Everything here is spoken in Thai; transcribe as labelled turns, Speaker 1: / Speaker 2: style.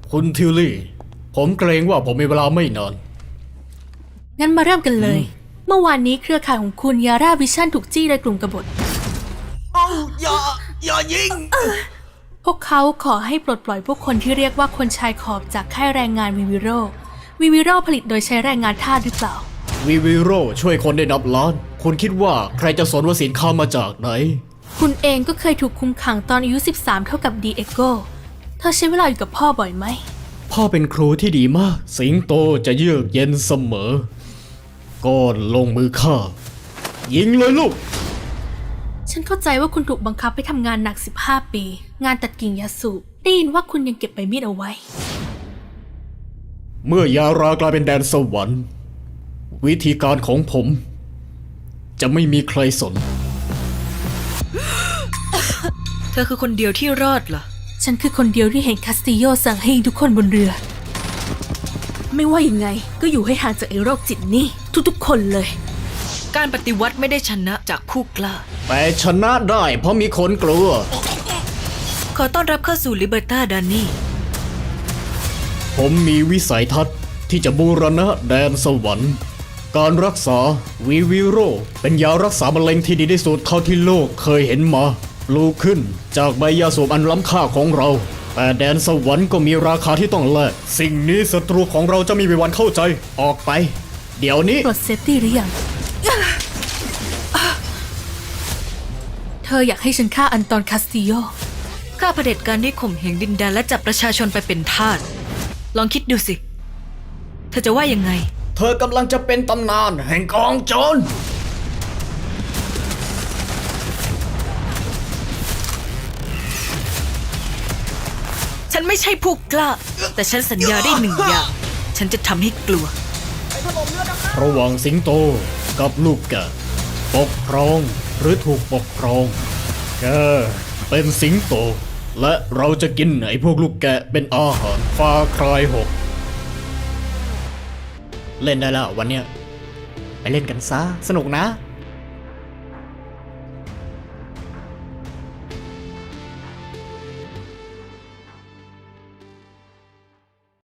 Speaker 1: คุณทิวลี่ ผมเกรงว่าผมมีเวลาไม่นาน
Speaker 2: งั้นมาเริ่มกันเลย เมื่อวานนี้เครือข่ายของคุณยาร่าวิชั่นถูกจี้โดยกลุ่มกบฏ
Speaker 1: อย่ายิง
Speaker 2: พวกเขาขอให้ปลดปล่อยพวกคนที่เรียกว่าคนชายขอบจากค่ายแรงงานวิวิโรผลิตโดยใช้แรงงานทาสหรือเปล่า
Speaker 1: วิวิโรช่วยคนได้นับล้าน คุณคิดว่าใครจะสนว่าสินค้ามาจากไหน
Speaker 2: คุณเองก็เคยถูกคุมขังตอนอายุ 13 เท่ากับดีเอโกเธอใช้เวลาอยู่กับพ่อบ่อยไหม
Speaker 1: พ่อเป็นครูที่ดีมาก สิงโตจะเยือกเย็นเสมอ ก่อนลงมือฆ่า ยิงเลยลูก
Speaker 2: ฉันเข้าใจว่าคุณถูกบังคับให้ทำงานหนัก 15 ปี งานตัดกิ่งยาสูบได้ยินว่าคุณยังเก็บใบมีดเอาไว้
Speaker 1: เมื่อยารากลายเป็นแดนสวรรค์ วิธีการของผม จะไม่มีใครสน
Speaker 3: เธอคือคนเดียวที่รอดเหรอ
Speaker 2: ฉันคือคนเดียวที่เห็นคาสติโยสั่งให้ยิงทุกคนบนเรือ ไม่ว่ายังไงก็อยู่ให้ห่างจากไอ้โรคจิตนี่ทุกๆคนเลย
Speaker 3: การปฏิวัติไม่ได้ชนะจากผู้กล้า
Speaker 1: แต่ชนะได้เพราะมีคนกลัว
Speaker 3: ขอต้อนรับเข้าสู่ลิเบอร์ตาดานี่
Speaker 1: ผมมีวิสัยทัศน์ที่จะบูรณะแดนสวรรค์ การรักษาวิวิโรเป็นยารักษามะเร็งที่ดีที่สุดเท่าที่โลกเคยเห็นมาปลูกขึ้นจากใบยาสูบอันล้ำค่าของเรา แต่แดนสวรรค์ก็มีราคาที่ต้องแลกสิ่งนี้ศัตรูของเราจะไมมีวันเข้าใจออกไป เดี๋ยวนี้
Speaker 2: ปลดเซฟตี้หรือยัง เธออยากให้ฉันฆ่าอันตอนคาสติโย
Speaker 3: ข้าเผด็จการที่ข่มเหงดินแดนและจับประชาชนไปเป็นทาส ลองคิดดูสิ เธอจะว่ายังไง
Speaker 1: เธอกำลังจะเป็นตำนานแห่งกองโจร
Speaker 3: ฉันไม่ใช่ผู้กล้า แต่ฉันสัญญาได้หนึ่งอย่าง ฉันจะทำให้กลัว
Speaker 1: ระหว่างสิงโตกับลูกแกะปกครองหรือถูกปกครองแกเป็นสิงโต และเราจะกินไอ้พวกลูกแกะเป็นอาหารฟาคลาย6เล่นได้แล้ววันเนี้ยไปเล่นกันซะสนุกนะ